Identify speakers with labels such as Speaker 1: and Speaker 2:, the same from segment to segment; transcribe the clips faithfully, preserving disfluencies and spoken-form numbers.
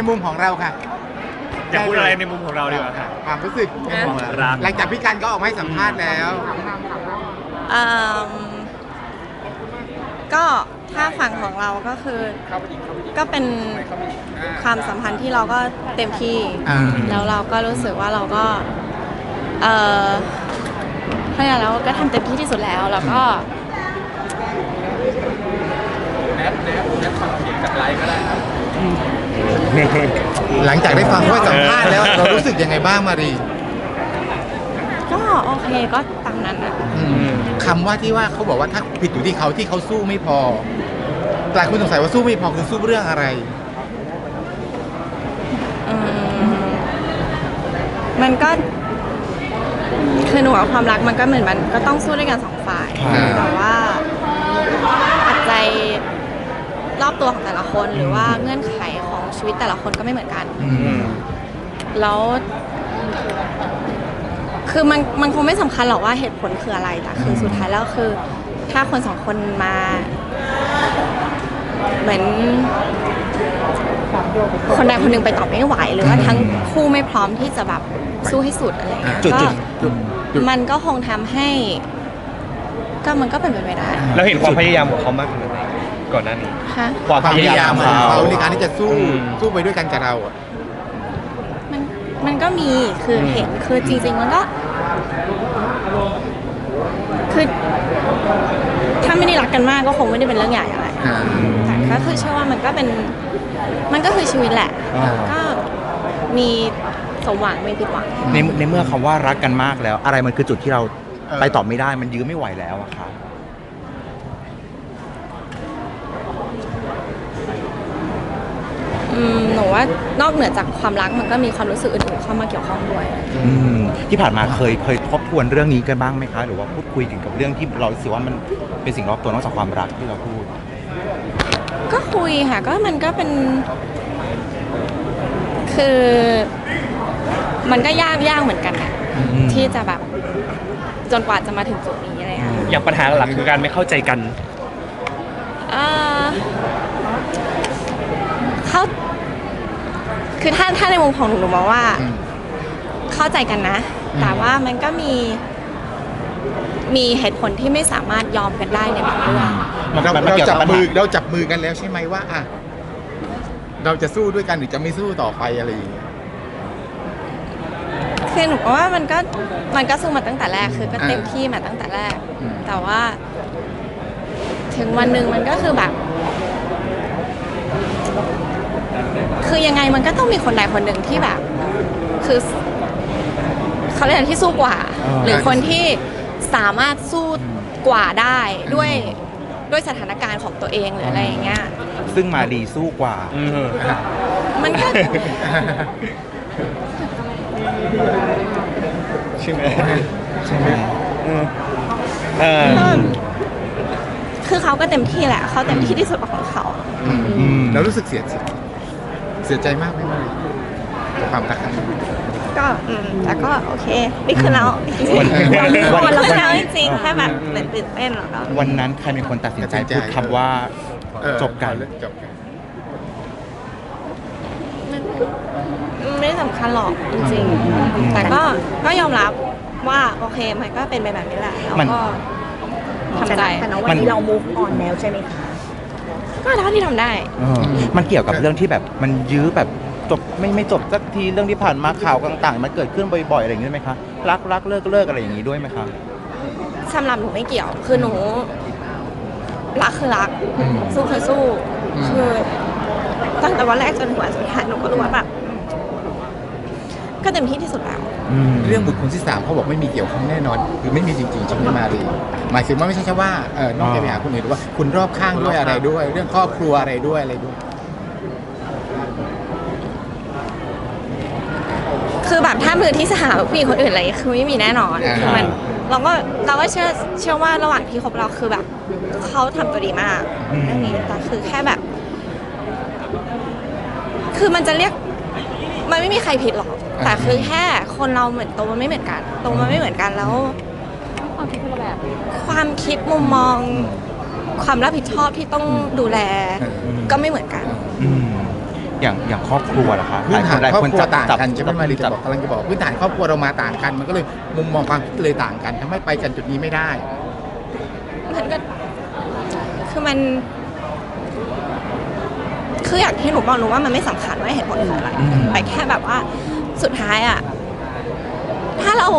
Speaker 1: มุมของเราค่ะ
Speaker 2: อยากพูดอะไรในมุมของเราดีกว่าค่ะ
Speaker 1: ความรู้สึกในมุมของเราหลังจากพี่กันก็ออกมาให้สัมภาษณ์แล้ว
Speaker 3: อืมก็ถ้าฝั่งของเราก็คือก็เป็นความสัมพันธ์ที่เราก็เต็มที่แล้วเราก็รู้สึกว่าเราก็เออเพราะงั้นเราก็ทำเต็มที่ที่สุดแล้วแล้วก็
Speaker 4: แนทแนทแนทฟังเสียงจากไลฟ์ก็ได้ครับ
Speaker 1: หลังจากได้ฟังว่าสัมภาษณ์แล้วเรารู้สึกยังไงบ้างมารี
Speaker 3: ก็โอเคก็ตามนั้นอ่ะ
Speaker 1: คำว่าที่ว่าเขาบอกว่าถ้าผิดอยู่ที่เขาที่เขาสู้ไม่พอหลายคนสงสัยว่าสู้ไม่พอคือสู้เรื่องอะไร
Speaker 3: มันก็คือหนูว่าความรักมันก็เหมือนมันก็ต้องสู้ด้วยกันสองฝ่ายแต่ว่าปัจจัยรอบตัวของแต่ละคนหรือว่าเงื่อนไขของชีวิตแต่ละคนก็ไม่เหมือนกันแล้วคือมันมันคงไม่สำคัญหรอกว่าเหตุผลคืออะไรแต่คือสุดท้ายแล้วคือถ้าคนสองคนมาเหมือนคนใดคนหนึ่งไปต่อไม่ไหวหรือว่าทั้งคู่ไม่พร้อมที่จะแบบสู้ให้สุดอะไรเงี้ยก็มันก็คงทำให้ก็มันก็เป็นไปไม่ได้
Speaker 2: เราเห็นความพยายามของเขามากขนาดไหนก่อนหน้านี้
Speaker 1: ความพยายามของเขาในการที่จะสู้สู้ไปด้วยกันกับเราอ่ะ
Speaker 3: มันมันก็มีคือเห็นคือจริงๆมันก็คือถ้าไม่ได้รักกันมากก็คงไม่ได้เป็นเรื่องใหญ่อะไรแต่ก็คือเชื่อว่ามันก็เป็นมันก็คือชีวิตแหละก็มีสมหวังไม่ผิดหวัง
Speaker 5: ในในเมื่อคำว่ารักกันมากแล้วอะไรมันคือจุดที่เราไปต่อไม่ได้มันยื้อไม่ไหวแล้วอะครับ
Speaker 3: อืมหนูว่านอกเหนือจากความรักมันก็มีความรู้สึกอื่นๆเข้ามาเกี่ยวข้องด้วย
Speaker 5: อืมที่ผ่านมาเคยเคยทบทวนเรื่องนี้กันบ้างไหมคะหรือว่าพูดคุยถึงกับเรื่องที่เราคิดว่ามันเป็นสิ่งรอบตัวนอกจากความรักที่เราพูด
Speaker 3: ก็คุยค่ะก็มันก็เป็นคือมันก็ยากยากเหมือนกันอะที่จะแบบจนกว่าจะมาถึงจุดนี้อะไรอย่าง
Speaker 2: อย่างปัญหาหลักคือการไม่เข้าใจกัน
Speaker 3: เขาคือถ้าถ้าในมุมของหนูหนูมองว่าเข้าใจกันนะแต่ว่ามันก็มีมีเหตุผลที่ไม่สามารถยอมกันได้ในบางเรื่อง
Speaker 1: เราเราจับมือเราจับมือกันแล้วใช่ไหมว่าอ่ะเราจะสู้ด้วยกันหรือจะไม่สู้ต่อไปอะไรอย่างเงี้ย
Speaker 3: คือหนูว่ามันก็มันก็สู้มาตั้งแต่แรกคือก็เต็มที่มาตั้งแต่แรกแต่ว่าถึงวันหนึ่งมันก็คือแบบคือยังไงมันก็ต้องมีคนใดคนหนึ่งที่แบบคือเขาเรียกที่สู้กว่าหรือคนที่สามารถสู้กว่าได้ด้วยด้วยสถานการณ์ของตัวเองหรืออะไรอย่างเงี้ย
Speaker 5: ซึ่งมาดีสู้กว่า
Speaker 3: มันก็
Speaker 5: ใช่ไหม
Speaker 1: ใช่ไหม
Speaker 3: คือเขาก็เต็มที่แหละเขาเต็มที่ที่สุดของเขา
Speaker 1: แล้วรู้สึกเสียใจเสียใจมากไหมความรัก
Speaker 3: ก็อืมแต่ก็โอเคนี่คือเราวันเราแล้วจริงๆแค่แบบตื่นเต้นหรอก
Speaker 5: วันนั้นใครเป็นคนตัดสินใจพูดคำว่าจบกัน
Speaker 1: จบกัน
Speaker 3: ไม่สำคัญหรอกจริงๆแต่ก็ก็ยอมรับว่าโอเคมันก็เป็นไปแบบนี้แหละแล้วก็ทำใจ
Speaker 6: แต่ณวันนี้เรา move on แล้วใช่ไหมคะ
Speaker 3: ก็เท่าที่ทำได้
Speaker 5: มันเกี่ยวกับเรื่องที่แบบมันยื้อแบบจบไม่ไม่จบสักทีเรื่องที่ผ่านมาข่าวต่างๆมันเกิดขึ้นบ่อยๆอะไรอย่างนี้ไหมคะรักรักเลิกเลิกอะไรอย่างนี้ด้วยไหมคะ
Speaker 3: สำหรับหนูไม่เกี่ยวคือหนูรักคือรักสู้คือสู้คือตั้งแต่วันแรกจนถึงวันสุดท้ายหนูก็รู้ว่าแบบก็เต็มที่ที่สุดแล้ว
Speaker 1: เรื่องบุคคลที่สามเขาบอกไม่มีเกี่ยวข้องแน่นอนคือไม่มีจริงๆใช่ไหมมารีหมายถึงว่าไม่ใช่แค่ว่าเออนอกจากไปหาคนอื่นหรือว่าคุณรอบข้างด้วยอะไรด้วยเรื่องครอบครัวอะไรด้วยอะไรด้วย
Speaker 3: คือแบบถ้ามือที่สามผู้หญิงคนอื่นอะไรคือไม่มีแน่นอนคือมันเราก็เราก็เชื่อเชื่อว่าระหว่างที่คบเราคือแบบเขาทำตัวดีมากเรื่องนี้แต่คือแค่แบบคือมันจะเรียกมันไม่มีใครผิดหรอกแต่คือแค่คนเราเหมือนโตมันไม่เหมือนกันโตมันไม่เหมือนกันแล้วความคิดคนละแบบความคิดมุมมองความรับผิดชอบที่ต้องดูแลก็ไม่เหมือนกัน
Speaker 5: อย่างอย่างครอบครัวล่ะคะ
Speaker 1: พื้นฐาน
Speaker 5: หลาย
Speaker 1: ครอบ
Speaker 5: คน
Speaker 1: ครัว
Speaker 5: จับ
Speaker 1: ต่าง
Speaker 5: จับ
Speaker 1: กันใช่ไหมมารีจะ
Speaker 5: จับ
Speaker 1: บอกกำลังจะบอกพื้นฐานครอบครัวเรามาต่างกัน มันก็เลยมุมมองความคิดเลยต่างกันทำให้ไปกันจุดนี้ไม่ได้
Speaker 3: มันก็คือมัน คืออย่างที่หนูบอกหนูว่ามันไม่สำคัญว่าเหตุผลคืออะไร
Speaker 5: อืม
Speaker 3: แต่แค่แบบว่าสุดท้ายอะถ้าเรา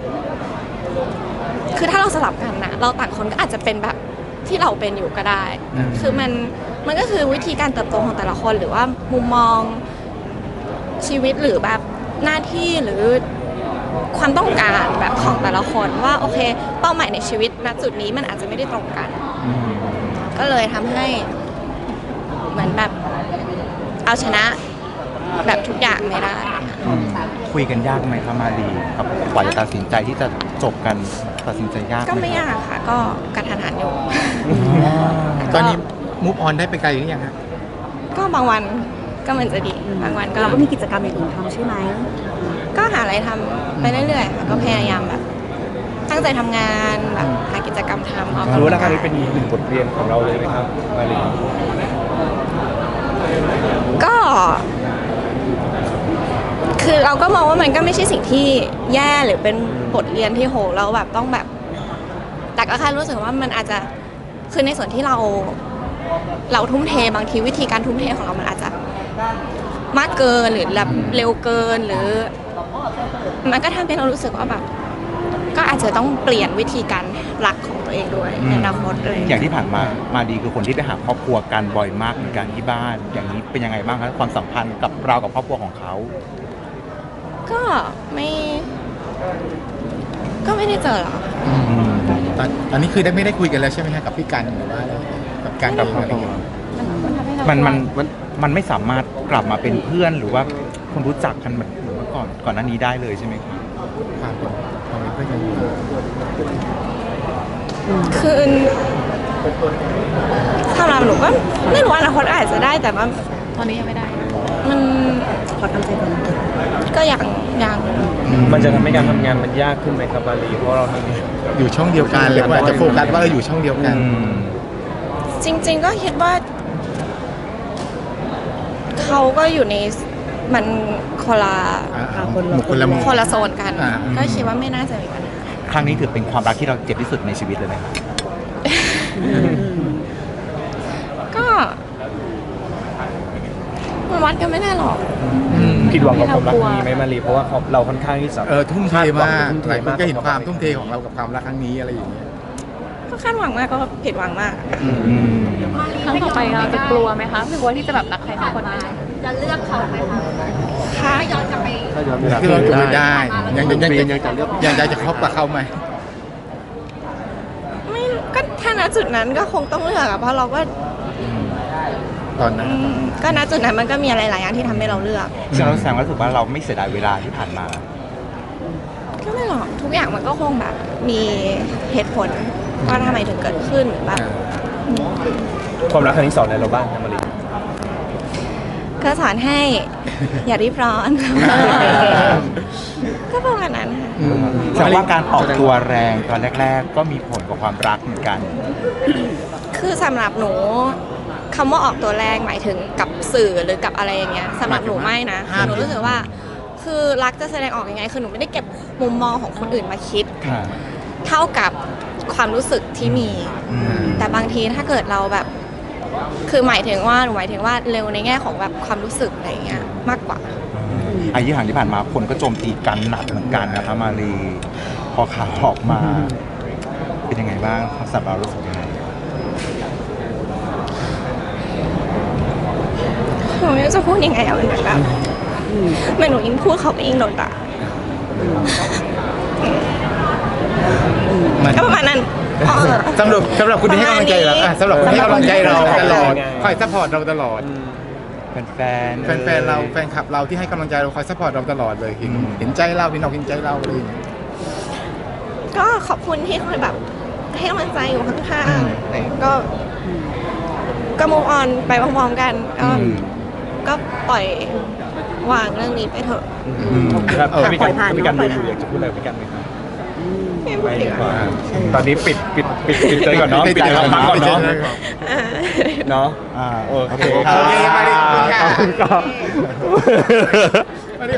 Speaker 3: คือถ้าเราสลับกันนะเราต่างคนก็อาจจะเป็นแบบที่เราเป็นอยู่ก็ได้ คือมันมันก็คือวิธีการเติบโตของแต่ละคนหรือว่ามุมมองชีวิตหรือแบบหน้าที่หรือความต้องการแบบของแต่ละคนว่าโอเค เป้าหมายในชีวิตณจุดนี้มันอาจจะไม่ได้ตรงกัน
Speaker 5: อืม
Speaker 3: ก็เลยทำให้เหมือนแบบเอาชนะแบบทุกอย่างไม่ได้
Speaker 5: อืมคุยกันยากไหมคะมารีกับกว่าจะตัดสินใจที่จะจบกันตัดสินใจยากห
Speaker 3: ก็ไม่ยากค่ะ ก็กระทันหันอยู่
Speaker 1: ตอนนี้มูฟออนได้ไปไกลหรือยังฮะ
Speaker 3: ก็บางวันก็มันจะดีบางวันก็
Speaker 6: เราก็มีกิจกรรมอย่างอื่นทำใช่ไหม
Speaker 3: ก็หาอะไรทำไปเรื่อยๆค่ะก็พยายามแบบ ตั้งใจทำงานแบบหากิจกรรมทำออกกำลังกาย
Speaker 2: รู้แล้วครั้งนี้เป็นหนึ่งบทเรียนของเราเลยไหมครับมารี
Speaker 3: ก็ คือเราก็มองว่ามันก็ไม่ใช่สิ่งที่แย่หรือเป็นบทเรียนที่โหเราแบบต้องแบบ แต่ก็แค่รู้สึกว่ามันอาจจะคือในส่วนที่เรา เราทุ่มเทบางทีวิธีการทุ่มเทของเรามันอาจจะมากเกินหรือแบบเร็วเกินหรือ มันก็ทำให้เรารู้สึกว่าแบบ ก็อาจจะต้องเปลี่ยนวิธีการรักของตัวเองด้วยในอนาคตเลย
Speaker 5: อย่างที่ผ่านมามาดีคือคนที่ไปหาครอบครัวกันบ่อยมากเหมือนกันที่บ้าน อย่างนี้เป็นยังไงบ้างคะความสัมพันธ์กับเรากับครอบครัวของเขา
Speaker 3: ก็ไม่ ก็ไม่ได้เจอหรอก
Speaker 1: ตอนตอนนี้คือได้ไม่ได้คุยกันแล้วใช่ไหมฮะกับพี่กันหรือว่าอะไรกับการเองอะไรอย่างเงี้ย
Speaker 5: มันมันมันมันไม่สามารถกลับมาเป็นเพื่อนหรือว่าคนรู้จักกันเหมือนเมื่อก่อนก่อนหน้านี้ได้เลยใช่ไหมครับ
Speaker 1: ความเป็นความเป็นเพื่อนกันอยู่
Speaker 3: คือสำหรับหนูก็ไม่รู้ว่าอนาคตอาจจะได้แต่ว่าตอนนี้ยังไม่ได้ มัน
Speaker 6: ขอทำใจก่อน
Speaker 3: ก็ยังยัง
Speaker 2: มันจะทำให้การทำงานมันยากขึ้นไหมครับมารีเพราะเราทำ
Speaker 1: อยู่ช่องเดียวกันเลยว่าจะโฟกัสว่าเราอยู่ช่องเดียวกัน
Speaker 3: จริง ๆ ก็คิดว่า เขาก็อยู่ในมันคนละ
Speaker 1: อ่าคนละคนละมุม
Speaker 3: คนละโซนกัน
Speaker 1: อ่า
Speaker 3: ก็คิดว่าไม่น่าจะมีปัญหา
Speaker 5: ครั้งนี้ถือเป็นความรักที่เราเจ็บที่สุดในชีวิตเลยไหมครับ
Speaker 3: ก็มันวัดกันไม่ได้หรอก
Speaker 2: ผิดหวังกับความรักนี้ไหมมารีเพราะว่าเราค่อนข้างที่จะ
Speaker 1: เออทุ่มเทมาก
Speaker 2: ทุ่มเท
Speaker 1: หลายคน
Speaker 2: มาก
Speaker 1: ก็เห็นความทุ่มเทของเรากับความรักครั้งนี้อะไรอย่างเงี้ย
Speaker 3: ก็คาดหวังมากก็ผิดหวังมาก
Speaker 7: ครั้งต่อไปเราจะกลัวไหมคะกลัวที่จะแบบรักใครสักคนไหม
Speaker 3: ค่ะ
Speaker 1: คือเราจะไม่ได้ ยังยังยังยังจะเลือกยังจะคบกับเขาไหม
Speaker 3: ไม่ก็ถ้าณจุดนั้นก็คงต้องเลือกอะเพราะเราก็
Speaker 1: ตอนนั้น
Speaker 3: อืมก็ณจุดนั้นมันก็มีอะไรหลายอย่างที่ทำให้เราเลือก
Speaker 5: ซึ่งเราแสดงว่ารู้สึกว่าเราไม่เสียดายเวลาที่ผ่านมา
Speaker 3: ก็ไม่หรอกทุกอย่างมันก็คงแบบ มีเหตุผลว่าทำไมถึงเกิดขึ้นแบบ
Speaker 2: ความรักครั้งนี้สอนอะไรเราบ้างครับมารี
Speaker 3: ก็สอนให้ อย่ารีบร้อน ก็ประมาณนั้นค่ะ
Speaker 1: อืม
Speaker 5: แสดงว่าการออกตัวแรงตอนแรก ๆ ก็มีผลกับความรักเหมือนกัน
Speaker 3: คือสำหรับหนูคำว่าออกตัวแรงหมายถึงกับสื่อหรือกับอะไรอย่างเงี้ยสำหรับหนูไม่นะคือหนูรู้สึกว่า คือรักจะแสดงออกยังไง คือหนูไม่ได้เก็บมุมมองของคนอื่นมาคิด เท่ากับความรู้สึกที่มี แต่บางทีถ้าเกิดเราแบบ คือหมายถึงว่าหนูหมายถึงว่าเร็วในแง่ของแบบความรู้สึกอะไรอย่างเงี้ยมากกว่า
Speaker 5: อายุห่างที่ผ่านมาคนก็โจมตีกันหนักเหมือนกันนะคะมารีพอข่าวออกมา เป็นยังไงบ้างสำหรับเรารู้สึกยังไง
Speaker 3: หนูไม่รู้จะพูดยังไงอะมันเหมือนแบบเหมือนหนูยิ่งพูดเขาก็ยิ่งโดนด่า
Speaker 1: มัน
Speaker 3: ก็ประมาณนั้นอ๋อ
Speaker 1: สำหรับสำหรับคุณที่ให้กำลังใจเราอ่ะสำหรับคุณที่ให้กำลังใจเราตลอดคอยซัพพอร์ตเราตลอด
Speaker 5: แฟนๆ
Speaker 1: แฟนๆเราแฟนคลับเราที่ให้กำลังใจเราคอยซัพพอร์ตเราตลอดเลยเห็นเห็นใจเราเห็นอกเห็นใจเราอะไรอย่างเลย
Speaker 3: ก็ขอบคุณที่คอยแบบให้กำลังใจอยู่ข้างๆแต่ก็ ก็มูฟออนไปพร้อมๆกัน ก็ก็ปล่อยวางเรื่องนี้ไปเถอะ
Speaker 2: ครับ
Speaker 1: เออ
Speaker 2: ถ้ามีการถ้ามีการดูอยู่อยากจะพูดอะไรกับพี่กันไหมครับไม่ดีกว่าตอนนี้ปิดปิดปิดปิดใจก่อนเนาะปิดใจก่อนพักก่อนเนาะเนาะ
Speaker 5: อ่า
Speaker 2: โอ
Speaker 5: โอ
Speaker 2: เค
Speaker 5: เค
Speaker 2: ค
Speaker 5: ค
Speaker 2: รั
Speaker 5: รั
Speaker 2: บบ
Speaker 1: มาดิขอบคุณค่ะ
Speaker 2: ขอบคุณครับ